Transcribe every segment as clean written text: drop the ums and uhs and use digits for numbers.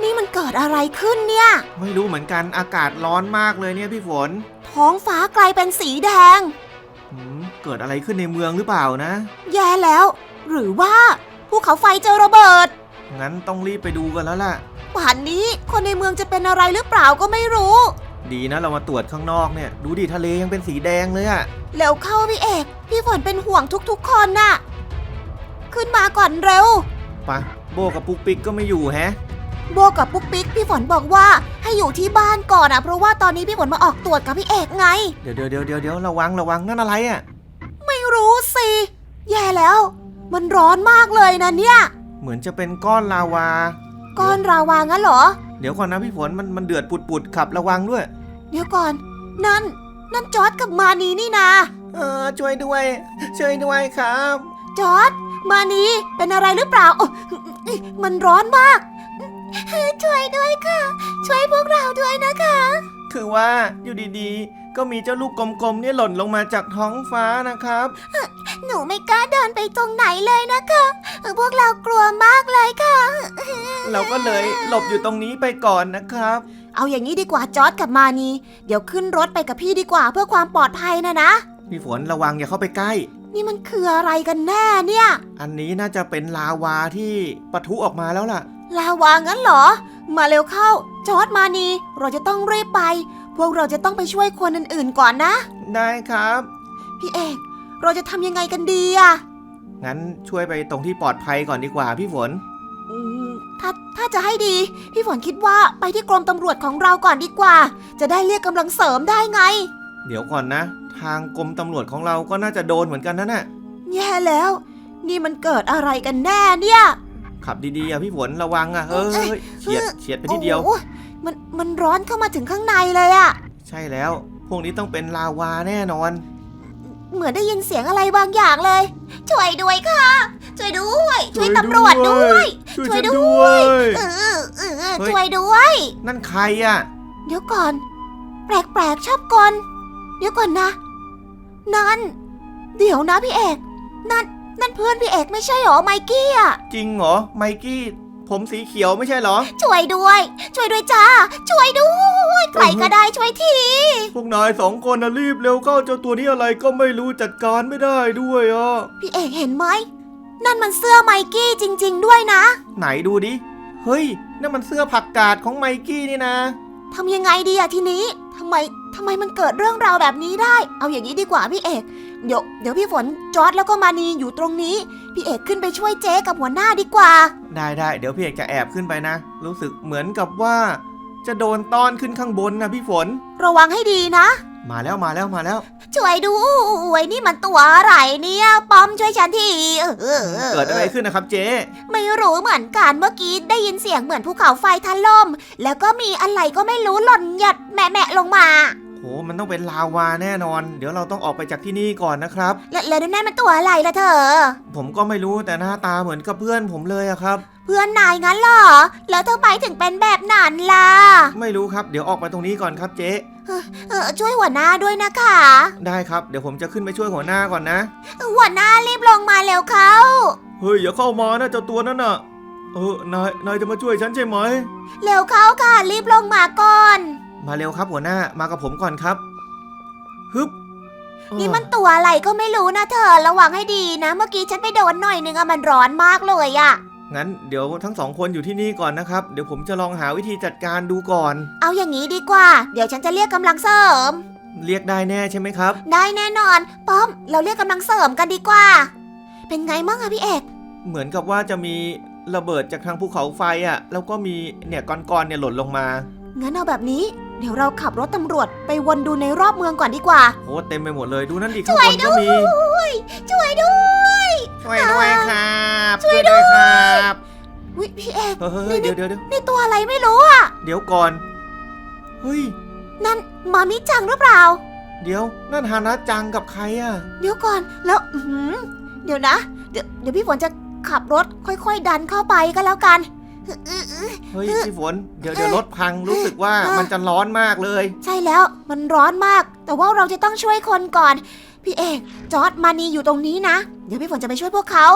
นี่มันเกิดอะไรขึ้นเนี่ยไม่รู้เหมือนกันอากาศร้อนมากเลยเนี่ยพี่ฝนท้องฟ้ากลายเป็นสีแดงเกิดอะไรขึ้นในเมืองหรือเปล่านะแย่แล้วหรือว่าภูเขาไฟจะระเบิดงั้นต้องรีบไปดูกันแล้วล่ะป่านนี้คนในเมืองจะเป็นอะไรหรือเปล่าก็ไม่รู้ดีนะเรามาตรวจข้างนอกเนี่ยดูดิทะเลยังเป็นสีแดงเลยอะเร็วเข้าพี่เอกพี่ฝนเป็นห่วงทุกๆคนน่ะขึ้นมาก่อนเร็วปะโบกับปุ๊กปิ๊กก็ไม่อยู่แฮะโบกับปุ๊กปิ๊กพี่ฝนบอกว่าให้อยู่ที่บ้านก่อนเพราะว่าตอนนี้พี่ฝนมาออกตรวจกับพี่เอกไงเดี๋ยวระวังนั่นอะไรอะไม่รู้สิแย่แล้วมันร้อนมากเลยนะเนี่ยเหมือนจะเป็นก้อนลาวาก้อนลาวางั้นเหรอเดี๋ยวก่อนนะพี่ฝนมันเดือดปุดขับระวังด้วยเดี๋ยวก่อนนั่นจอร์จกับมานีนี่นาช่วยด้วยครับจอร์จมานีเป็นอะไรหรือเปล่ามันร้อนมากช่วยด้วยค่ะช่วยพวกเราด้วยนะคะคือว่าอยู่ดีๆก็มีเจ้าลูกกลมๆเนี่ยหล่นลงมาจากท้องฟ้านะครับหนูไม่กล้าเดินไปตรงไหนเลยนะคะพวกเรากลัวมากเลยค่ะเราก็เลยหลบอยู่ตรงนี้ไปก่อนนะครับเอาอย่างนี้ดีกว่าจอร์จกับมานีเดี๋ยวขึ้นรถไปกับพี่ดีกว่าเพื่อความปลอดภัยนะพี่ฝนระวังอย่าเข้าไปใกล้นี่มันคืออะไรกันแน่เนี่ยอันนี้น่าจะเป็นลาวาที่ปะทุออกมาแล้วล่ะลาวางั้นเหรอมาเร็วเข้าจอร์จมานีเราจะต้องรีบไปพวกเราจะต้องไปช่วยคนอื่นๆก่อนนะได้ครับพี่เอกเราจะทำยังไงกันดีงั้นช่วยไปตรงที่ปลอดภัยก่อนดีกว่าพี่ฝนถ้าจะให้ดีพี่ฝนคิดว่าไปที่กรมตำรวจของเราก่อนดีกว่าจะได้เรียกกำลังเสริมได้ไงเดี๋ยวก่อนนะทางกรมตำรวจของเราก็น่าจะโดนเหมือนกันนะแย่แล้วนี่มันเกิดอะไรกันแน่เนี่ยขับดีๆพี่ฝนระวังเฮ้ยเฉียดไปทีเดียวมันร้อนเข้ามาถึงข้างในเลยใช่แล้วพวกนี้ต้องเป็นลาวาแน่นอนเหมือนได้ยินเสียงอะไรบางอย่างเลยช่วยด้วยค่ะช่วยด้วยช่วยตำรวจด้วยช่วยด้วยช่วยด้วยนั่นใครเดี๋ยวก่อนแปลกชอบกลเดี๋ยวก่อนนะนั่นเดี๋ยวนะพี่เอกนั่นเพื่อนพี่เอกไม่ใช่หรอไมกี้จริงเหรอไมกี้ผมสีเขียวไม่ใช่เหรอช่วยด้วยจ้าช่วยด้วยใครก็ได้ช่วยทีพวกนาย2 คนรีบเร็วเข้าเจ้าตัวนี้อะไรก็ไม่รู้จัดการไม่ได้ด้วยพี่เอกเห็นไหมนั่นมันเสื้อไมกี้จริงๆด้วยนะไหนดูดิเฮ้ยนั่นมันเสื้อผักกาดของไมกี้นี่นะทำยังไงดีทีนี้ทำไมมันเกิดเรื่องราวแบบนี้ได้เอาอย่างนี้ดีกว่าพี่เอกเดี๋ยวพี่ฝนจอร์จแล้วก็มานีอยู่ตรงนี้พี่เอกขึ้นไปช่วยเจ๊กับหัวหน้าดีกว่าได้เดี๋ยวพี่เอกจะแอบขึ้นไปนะรู้สึกเหมือนกับว่าจะโดนต้อนขึ้นข้างบนนะพี่ฝนระวังให้ดีนะมาแล้วช่วยดูนี่มันตัวอะไรเนี่ยป้อมช่วยฉันทีเกิดอะไรขึ้นนะครับเจ๊ไม่รู้เหมือนกันเมื่อกี้ได้ยินเสียงเหมือนภูเขาไฟถล่มแล้วก็มีอะไรก็ไม่รู้หล่นหยัดแหมะลงมาโหมันต้องเป็นลาวาแน่นอนเดี๋ยวเราต้องออกไปจากที่นี่ก่อนนะครับแล้วนั่นมันตัวอะไรล่ะเธอผมก็ไม่รู้แต่หน้าตาเหมือนกับเพื่อนผมเลยครับเพื่อนนายงั้นเหรอแล้วเธอไปถึงเป็นแบบนั้นล่ะไม่รู้ครับเดี๋ยวออกไปตรงนี้ก่อนครับเจ๊ช่วยหัวหน้าด้วยนะคะได้ครับเดี๋ยวผมจะขึ้นไปช่วยหัวหน้าก่อนนะหัวหน้ารีบลงมาเร็วเข้าเฮ้ยอย่าเข้ามานะเจ้าตัวนั้นน่ะนายจะมาช่วยฉันใช่ไหมเร็วเข้าค่ะรีบลงมาก่อนมาเร็วครับหัวหน้ามากับผมก่อนครับฮึบนี่มันตัวอะไรก็ไม่รู้นะเธอระวังให้ดีนะเมื่อกี้ฉันไปโดนหน่อยนึงมันร้อนมากเลยงั้นเดี๋ยวทั้ง2 คนอยู่ที่นี่ก่อนนะครับเดี๋ยวผมจะลองหาวิธีจัดการดูก่อนเอาอย่างนี้ดีกว่าเดี๋ยวฉันจะเรียกกำลังเสริมเรียกได้แน่ใช่ไหมครับได้แน่นอนป้อมเราเรียกกำลังเสริมกันดีกว่าเป็นไงมั่งพี่เอกเหมือนกับว่าจะมีระเบิดจากทางภูเขาไฟแล้วก็มีเนี่ยก้อนเนี่ยหล่นลงมางั้นเอาแบบนี้เดี๋ยวเราขับรถตำรวจไปวนดูในรอบเมืองก่อนดีกว่าโอ้เต็มไปหมดเลยดูนั่นดิข้างบนก็มีช่วยด้วยครับช่วยด้วยครับวิพี่เอกเดี๋ยวนี่ตัวอะไรไม่รู้เดี๋ยวก่อนเฮ้ยนั่นมามิจังหรือเปล่าเดี๋ยวนั่นฮานะจังกับใครเดี๋ยวก่อนแล้วเดี๋ยวนะเดี๋ยวพี่ฝนจะขับรถค่อยๆดันเข้าไปก็แล้วกันเฮ้ยพี่ฝนเดี๋ยวรถพังรู้สึกว่ามันจะร้อนมากเลยใช่แล้วมันร้อนมากแต่ว่าเราจะต้องช่วยคนก่อนพี่เอกจอร์จมานีอยู่ตรงนี้นะเดี๋ยวพี่ฝนจะไปช่วยพวกเขา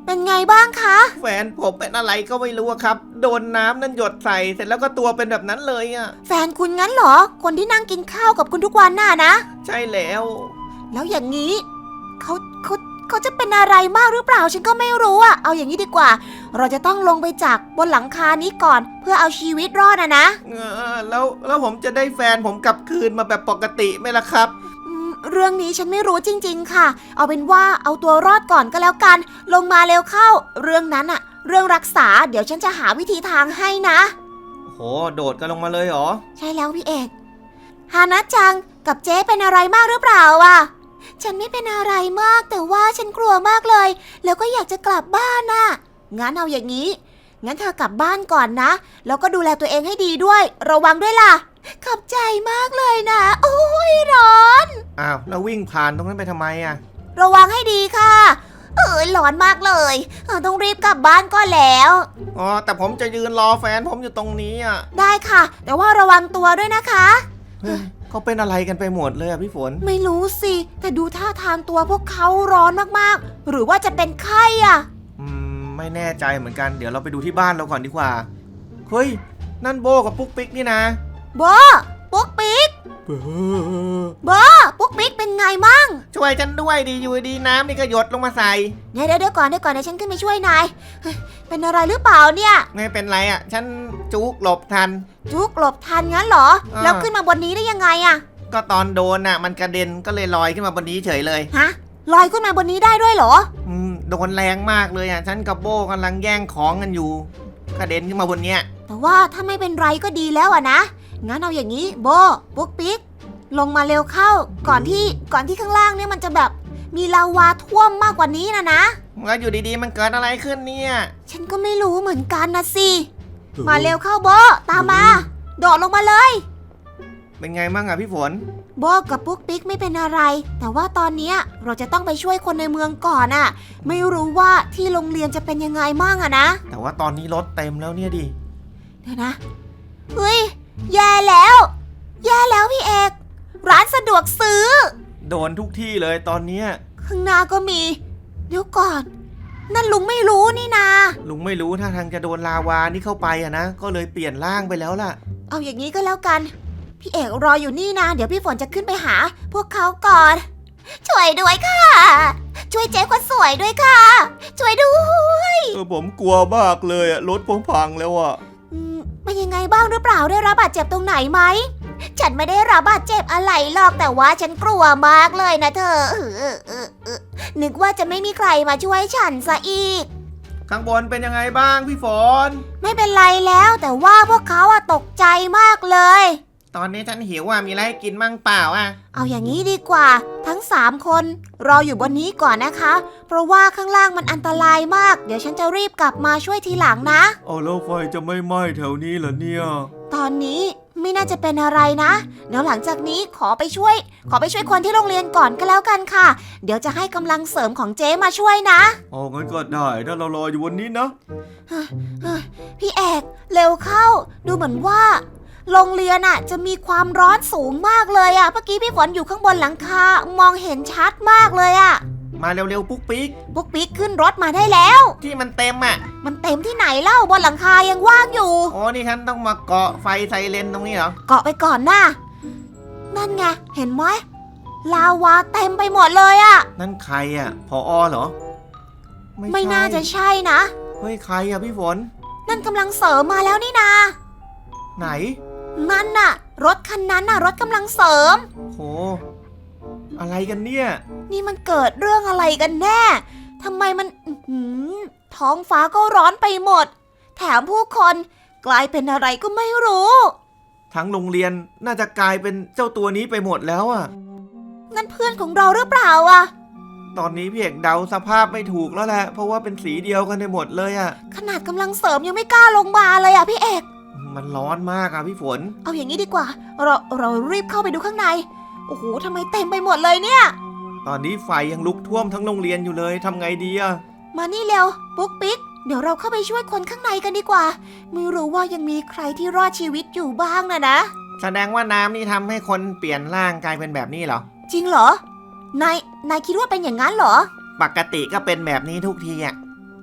เป็นไงบ้างคะแฟนผมเป็นอะไรก็ไม่รู้อะครับ โดนน้ำนั่นหยดใส่เสร็จแล้วก็ตัวเป็นแบบนั้นเลยอะแฟนคุณงั้นเหรอ คนที่นั่งกินข้าวกับคุณทุกวันน่ะนะใช่แล้วแล้วอย่างนี้เขาจะเป็นอะไรมากหรือเปล่าฉันก็ไม่รู้อะเอาอย่างนี้ดีกว่า เราจะต้องลงไปจากบนหลังคานี้ก่อน เพื่อเอาชีวิตรอดนะแล้วผมจะได้แฟนผมกลับคืนมาแบบปกติไหมล่ะครับเรื่องนี้ฉันไม่รู้จริงๆค่ะ เอาเป็นว่าเอาตัวรอดก่อนก็แล้วกัน ลงมาเร็วเข้า เรื่องนั้นอะเรื่องรักษาเดี๋ยวฉันจะหาวิธีทางให้นะโหโดดกันลงมาเลยเหรอใช่แล้วพี่เอกฮานะจังกับเจ๊เป็นอะไรมากหรือเปล่าอะฉันไม่เป็นอะไรมากแต่ว่าฉันกลัวมากเลย แล้วก็อยากจะกลับบ้านน่ะงั้นเอาอย่างนี้ งั้นเธอกลับบ้านก่อนนะ แล้วก็ดูแลตัวเองให้ดีด้วย ระวังด้วยล่ะ ขอบใจมากเลยนะ โอ้ยร้อนอ้าวแล้ววิ่งผ่านตรงนั้นไปทำไมอะระวังให้ดีค่ะ ร้อนมากเลยต้องรีบกลับบ้านก็แล้วอ๋อแต่ผมจะยืนรอแฟนผมอยู่ตรงนี้อะได้ค่ะ แต่ว่าระวังตัวด้วยนะคะเฮ้ยเขาเป็นอะไรกันไปหมดเลยอะพี่ฝนไม่รู้สิ แต่ดูท่าทางตัวพวกเขาร้อนมากๆ หรือว่าจะเป็นไข้อะไม่แน่ใจเหมือนกัน เดี๋ยวเราไปดูที่บ้านเราก่อนดีกว่า เฮ้ย นั่นโบกับปุ๊กปิ๊กนี่นะโบปุ๊กปิ๊กโบปุ๊กปิ๊กเป็นไงมั่งช่วยฉันด้วยดีอยู่ดีน้ำนี่ก็หยดลงมาใส่เดี๋ยวก่อนเดี๋ยวฉันขึ้นไปช่วยนายเฮ้ยเป็นอะไรหรือเปล่าเนี่ยไม่เป็นไรอะฉันจุกหลบทันจุกหลบทันงั้นเหรอ แล้วขึ้นมาบนนี้ได้ยังไงอะก็ตอนโดนน่ะมันกระเด็นก็เลยลอยขึ้นมาบนนี้เฉยเลยฮะลอยขึ้นมาบนนี้ได้ด้วยเหรอโดนแรงมากเลยอ่ะฉันกับโบกำลังแย่งของกันอยู่กระเด็นขึ้นมาบนเนี้ยแต่ว่าถ้าไม่เป็นไรก็ดีแล้วอะนะ งั้นเอาอย่างนี้โบปุ๊กปิ๊กลงมาเร็วเข้า ก่อนที่ข้างล่างเนี่ยมันจะแบบมีลาวาท่วมมากกว่านี้นะแล้วอยู่ดีๆมันเกิดอะไรขึ้นเนี่ยฉันก็ไม่รู้เหมือนกันนะสิ มาเร็วเข้าโบตามมา โดดลงมาเลยเป็นไงมั่งอ่ะพี่ฝนโบกับปุ๊กปิ๊กไม่เป็นอะไร แต่ว่าตอนเนี้ยเราจะต้องไปช่วยคนในเมืองก่อนอะไม่รู้ว่าที่โรงเรียนจะเป็นยังไงมั่งอะนะแต่ว่าตอนนี้รถเต็มแล้วเนี่ยดิเดี๋ยวนะ เฮ้ย แย่แล้ว แย่แล้วพี่เอก ร้านสะดวกซื้อโดนทุกที่เลยตอนเนี้ยข้างหน้าก็มี เดี๋ยวก่อน นั่นลุงไม่รู้นี่นาลุงไม่รู้ถ้าทางจะโดนลาวานี่เข้าไปอ่ะนะก็เลยเปลี่ยนร่างไปแล้วล่ะเอาอย่างนี้ก็แล้วกัน พี่เอกรออยู่นี่นะ เดี๋ยวพี่ฝนจะขึ้นไปหา พวกเขาก่อน ช่วยด้วยค่ะ ช่วยเจ๊คนสวยด้วยค่ะ ช่วยด้วยผมกลัวมากเลยอ่ะรถผมพังแล้วอ่ะเป็นยังไงบ้างหรือเปล่าได้รับบาดเจ็บตรงไหนไหม ฉันไม่ได้รับบาดเจ็บอะไรหรอกแต่ว่าฉันกลัวมากเลยนะเธอนึกว่าจะไม่มีใครมาช่วยฉันซะอีกข้างบนเป็นยังไงบ้างพี่ฝนไม่เป็นไรแล้วแต่ว่าพวกเขาอะตกใจมากเลยตอนนี้ฉันหิวอ่ะมีอะไรให้กินมั่งเปล่าอ่ะเอาอย่างนี้ดีกว่า ทั้ง3คนรออยู่บนนี้ก่อนนะคะ เพราะว่าข้างล่างมันอันตรายมาก เดี๋ยวฉันจะรีบกลับมาช่วยทีหลังนะเอาแล้วไฟจะไม่ไหม้แถวนี้เหรอเนี่ยตอนนี้ไม่น่าจะเป็นอะไรนะ เดี๋ยวหลังจากนี้ขอไปช่วยคนที่โรงเรียนก่อนก็แล้วกันค่ะ เดี๋ยวจะให้กำลังเสริมของเจ๊มาช่วยนะอ๋องั้นก็ได้ถ้าเรารออยู่บนนี้นะพี่เอกเร็วเข้า ดูเหมือนว่าโรงเรียนอะจะมีความร้อนสูงมากเลยอะเมื่อกี้พี่ฝนอยู่ข้างบนหลังคามองเห็นชัดมากเลยอะมาเร็วๆปุ๊กปิ๊กปุ๊กปิ๊กขึ้นรถมาได้แล้วที่มันเต็มอ่ะมันเต็มที่ไหนเล่าบนหลังคายังว่างอยู่อ๋อนี่ฉันต้องมาเกาะไฟไซเรนตรงนี้เหรอเกาะไปก่อนนะนั่นไงเห็นไหมลาวาเต็มไปหมดเลยอะนั่นใครอ่ะผอเหรอไม่น่าจะใช่นะเฮ้ยใครอ่ะพี่ฝนนั่นกำลังเสริมมาแล้วนี่นาไหนนั่นน่ะ รถคันนั้นน่ะ รถกำลังเสริมโห อะไรกันเนี่ยนี่มันเกิดเรื่องอะไรกันแน่ทำไมมันท้องฟ้าก็ร้อนไปหมด แถมผู้คนกลายเป็นอะไรก็ไม่รู้ทั้งโรงเรียนน่าจะกลายเป็นเจ้าตัวนี้ไปหมดแล้วอ่ะนั่นเพื่อนของเราหรือเปล่าอะตอนนี้พี่เอกเดาสภาพไม่ถูกแล้วแหละ เพราะว่าเป็นสีเดียวกันไปหมดเลยอ่ะขนาดกำลังเสริมยังไม่กล้าลงมาเลยอะพี่เอกมันร้อนมากอ่ะพี่ฝนเอาอย่างนี้ดีกว่า เรารีบเข้าไปดูข้างใน โอ้โหทำไมเต็มไปหมดเลยเนี่ยตอนนี้ไฟยังลุกท่วมทั้งโรงเรียนอยู่เลยทำไงดีอ่ะมานี่เร็วปุ๊กปิ๊กเดี๋ยวเราเข้าไปช่วยคนข้างในกันดีกว่า ไม่รู้ว่ายังมีใครที่รอดชีวิตอยู่บ้างนะแสดงว่าน้ำนี่ทำให้คนเปลี่ยนร่างกลายเป็นแบบนี้เหรอจริงเหรอนายคิดว่าเป็นอย่างนั้นเหรอปกติก็เป็นแบบนี้ทุกทีอ่ะ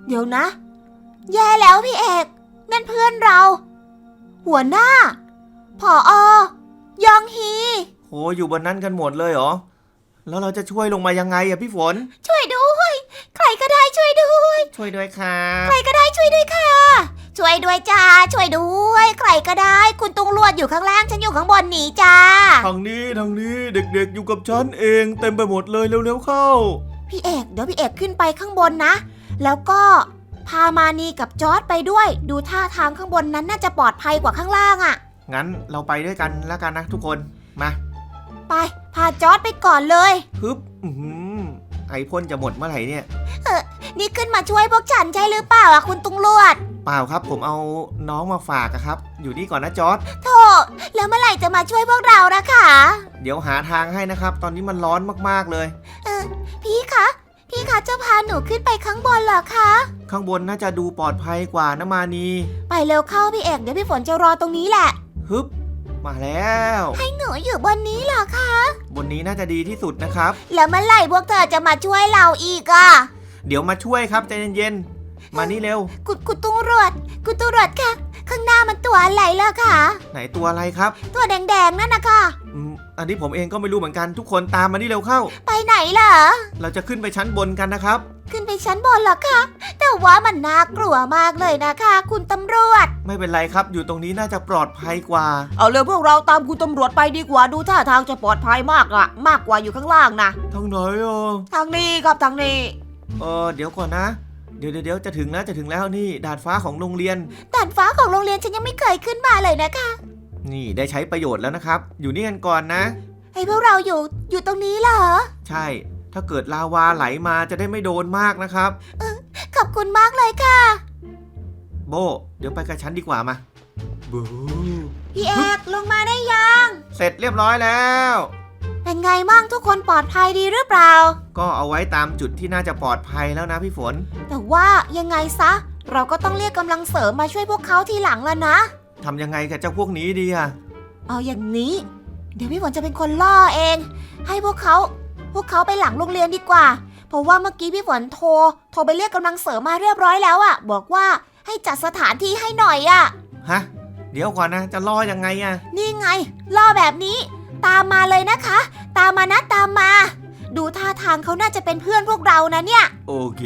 เดี๋ยวนะ แย่แล้วพี่เอกนั่นเพื่อนเรา หัวหน้าผอยองฮีโหอยู่บนนั้นกันหมดเลยเหรอแล้วเราจะช่วยลงมายังไงอะพี่ฝนช่วยด้วยใครก็ได้ช่วยด้วยช่วยด้วยครับใครก็ได้ช่วยด้วยค่ะ ช่วยด้วยจ้าช่วยด้วยใครก็ได้คุณตุงลวดอยู่ข้างล่างฉันอยู่ข้างบนหนีจ้าทางนี้เด็กๆอยู่กับฉันเองเต็มไปหมดเลยเร็วๆเข้าพี่เอกเดี๋ยวพี่เอกขึ้นไปข้างบนนะแล้วก็พามานีกับจอร์จไปด้วยดูท่าทางข้างบนนั้นน่าจะปลอดภัยกว่าข้างล่างอะงั้นเราไปด้วยกันแล้วกันนะทุกคนมาไปพาจอร์จไปก่อนเลยฮึบไอพ่นจะหมดเมื่อไหร่เนี่ยนี่ขึ้นมาช่วยพวกฉันใช่หรือเปล่าอะคุณตุงลวดเปล่าครับผมเอาน้องมาฝากอะครับอยู่นี่ก่อนนะจอร์ดโธ่แล้วเมื่อไหร่จะมาช่วยพวกเรานะคะเดี๋ยวหาทางให้นะครับ ตอนนี้มันร้อนมากๆเลยพี่คะจะพาหนูขึ้นไปข้างบนเหรอคะข้างบนน่าจะดูปลอดภัยกว่านะมานีไปเร็วเข้าพี่เอกเดี๋ยวพี่ฝนจะรอตรงนี้แหละฮึบมาแล้วให้หนูอยู่บนนี้เหรอคะบนนี้น่าจะดีที่สุดนะครับแล้วเมื่อไหร่พวกเธอจะมาช่วยเราอีกอะเดี๋ยวมาช่วยครับใจเย็นๆมานี่เร็วคุณตุงรวดค่ะข้างหน้ามันตัวอะไรล่ะคะไหนตัวอะไรครับตัวแดงๆนั่นนะคะอันนี้ผมเองก็ไม่รู้เหมือนกันทุกคนตามมานี่เร็วเข้าไปไหนเหรอเราจะขึ้นไปชั้นบนกันนะครับขึ้นไปชั้นบนเหรอคะแต่ว่ามันน่ากลัวมากเลยนะคะ คุณตำรวจไม่เป็นไรครับอยู่ตรงนี้น่าจะปลอดภัยกว่าเอาเลยพวกเราตามคุณตำรวจไปดีกว่าดูท่าทางจะปลอดภัยมากกว่าอยู่ข้างล่างนะทางไหนอ่ะทางนี้ครับทางนี้เดี๋ยวก่อนนะ เดี๋ยวจะถึงแล้วนี่ดาดฟ้าของโรงเรียนด่านฟ้าของโรงเรียนฉันยังไม่เคยขึ้นมาเลยนะคะนี่ได้ใช้ประโยชน์แล้วนะครับ อยู่นี่กันก่อนนะให้พวกเราอยู่ตรงนี้เหรอใช่ ถ้าเกิดลาวาไหลมาจะได้ไม่โดนมากนะครับขอบคุณมากเลยค่ะโบเดี๋ยวไปกับฉันดีกว่ามาบูพี่เอกลงมาได้ยังเสร็จเรียบร้อยแล้วเป็นไงมั่งทุกคนปลอดภัยดีหรือเปล่าก็เอาไว้ตามจุดที่น่าจะปลอดภัยแล้วนะพี่ฝนแต่ว่ายังไงซะ เราก็ต้องเรียกกำลังเสริมมาช่วยพวกเขาทีหลังแล้วนะทำยังไงกับเจ้าพวกนี้ดีอะเอาอย่างนี้ เดี๋ยวพี่ฝนจะเป็นคนล่อเอง ให้พวกเขาไปหลังโรงเรียนดีกว่า เพราะว่าเมื่อกี้พี่ฝนโทรไปเรียกกำลังเสริมมาเรียบร้อยแล้วอะบอกว่าให้จัดสถานที่ให้หน่อยอะฮะ เดี๋ยวก่อนนะจะล่อยังไงอะนี่ไงล่อแบบนี้ ตามมาเลยนะคะ ตามมานะตามมา ดูท่าทางเขาน่าจะเป็นเพื่อนพวกเรานะเนี่ยโอเค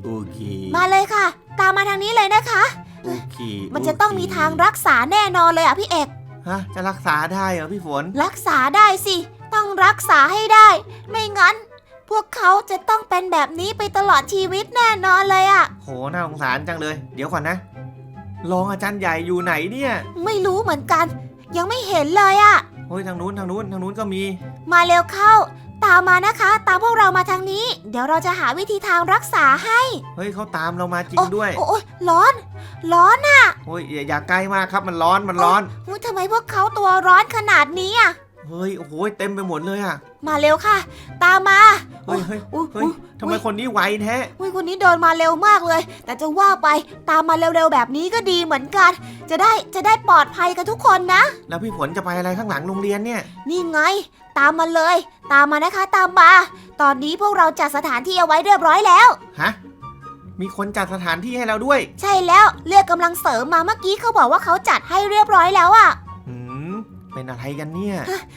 มาเลยค่ะ ตามมาทางนี้เลยนะคะโอเคมันจะต้องมีทางรักษาแน่นอนเลยอ่ะพี่เอกฮะจะรักษาได้เหรอพี่ฝนรักษาได้สิต้องรักษาให้ได้ ไม่งั้น พวกเขาจะต้องเป็นแบบนี้ไปตลอดชีวิตแน่นอนเลยอ่ะโหน่าสงสารจังเลย เดี๋ยวก่อนนะรองอาจารย์ใหญ่อยู่ไหนเนี่ยไม่รู้เหมือนกัน ยังไม่เห็นเลยอ่ะเฮ้ยทางนู้นก็มีมาเร็วเข้า ตามมานะคะ ตามพวกเรามาทางนี้ เดี๋ยวเราจะหาวิธีทางรักษาให้เฮ้ยเขาตามเรามาจริงด้วยโอ้ยร้อนอ่ะโอ้ยอย่าใกล้มากครับมันร้อนอุ๊ยทำไมพวกเขาตัวร้อนขนาดนี้อ่ะเฮ้ยโอ้โหเต็มไปหมดเลยอะมาเร็วค่ะ ตามมาเฮ้ยอุ๊ยทำไมคนนี้ไวแท้อุ๊ยคนนี้เดินมาเร็วมากเลย แต่จะว่าไปตามมาเร็วๆแบบนี้ก็ดีเหมือนกัน จะได้ปลอดภัยกันทุกคนนะแล้วพี่ฝนจะไปอะไรข้างหลังโรงเรียนเนี่ยนี่ไง ตามมาเลย ตามมานะคะตามมา ตอนนี้พวกเราจัดสถานที่เอาไว้เรียบร้อยแล้วฮะมีคนจัดสถานที่ให้เราด้วยใช่แล้วเรียกกำลังเสริมมาเมื่อกี้เขาบอกว่าเขาจัดให้เรียบร้อยแล้วอะเป็นอะไรกันเนี่ย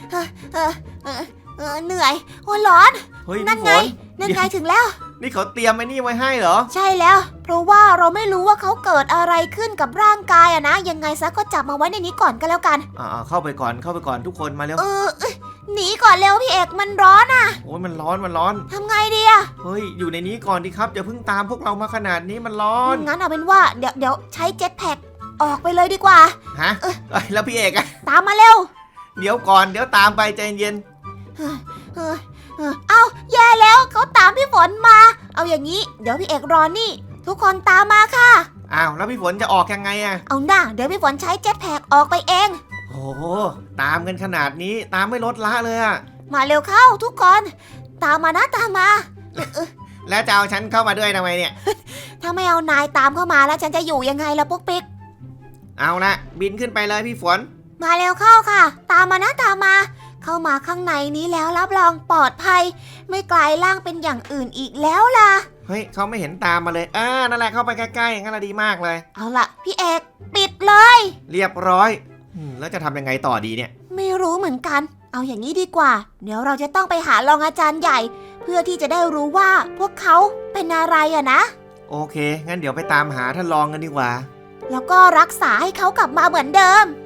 เหนื่อยโอ้ร้อนเฮ้ยนั่นพี่ไงฝนนั่นไงถึงแล้วนี่เขาเตรียมไอ้นี่ไว้ให้เหรอใช่แล้ว เพราะว่าเราไม่รู้ว่าเขาเกิดอะไรขึ้นกับร่างกายอะนะ ยังไงซะก็จับมาไว้ในนี้ก่อนก็แล้วกันเข้าไปก่อนทุกคนมาเร็วหนีก่อนเร็วพี่เอกมันร้อนอะโอ้ยมันร้อนทำไงดีอะเฮ้ยอยู่ในนี้ก่อนดิครับอย่าเพิ่งตามพวกเรามาขนาดนี้มันร้อนงั้นเอาเป็นว่าเดี๋ยวใช้เจ็ตแพ็กออกไปเลยดีกว่าฮะแล้วพี่เอกอะตามมาเร็วเดี๋ยวก่อนเดี๋ยวตามไปใจเย็นเอาแย่แล้วเขาตามพี่ฝนมา เอาอย่างนี้เดี๋ยวพี่เอกรอนี่ ทุกคนตามมาค่ะอ้าวแล้วพี่ฝนจะออกยังไงอะเอาหน้าเดี๋ยวพี่ฝนใช้เจ็ตแพ็กออกไปเองโอ้โหตามกันขนาดนี้ตามไม่ลดละเลยอะมาเร็วเข้าทุกคน ตามมานะตามมาแล้วจะเอาฉันเข้ามาด้วยทำไมเนี่ยถ้าไม่เอานายตามเข้ามาแล้วฉันจะอยู่ยังไงล่ะปุ๊กปิ๊กเอาละบินขึ้นไปเลยพี่ฝนมาเร็วเข้าค่ะ ตามมานะตามมา เข้ามาข้างในนี้แล้วรับรองปลอดภัย ไม่กลายร่างเป็นอย่างอื่นอีกแล้วล่ะเฮ้ยเขาไม่เห็นตามมาเลยนั่นแหละเข้าไปใกล้ๆงั้นละดีมากเลยเอาล่ะพี่เอกปิดเลยเรียบร้อยแล้วจะทำยังไงต่อดีเนี่ยไม่รู้เหมือนกัน เอาอย่างนี้ดีกว่า เดี๋ยวเราจะต้องไปหารองอาจารย์ใหญ่ เพื่อที่จะได้รู้ว่าพวกเขาเป็นอะไรอะนะโอเคงั้นเดี๋ยวไปตามหาท่านรองกันดีกว่าแล้วก็รักษาให้เขากลับมาเหมือนเดิม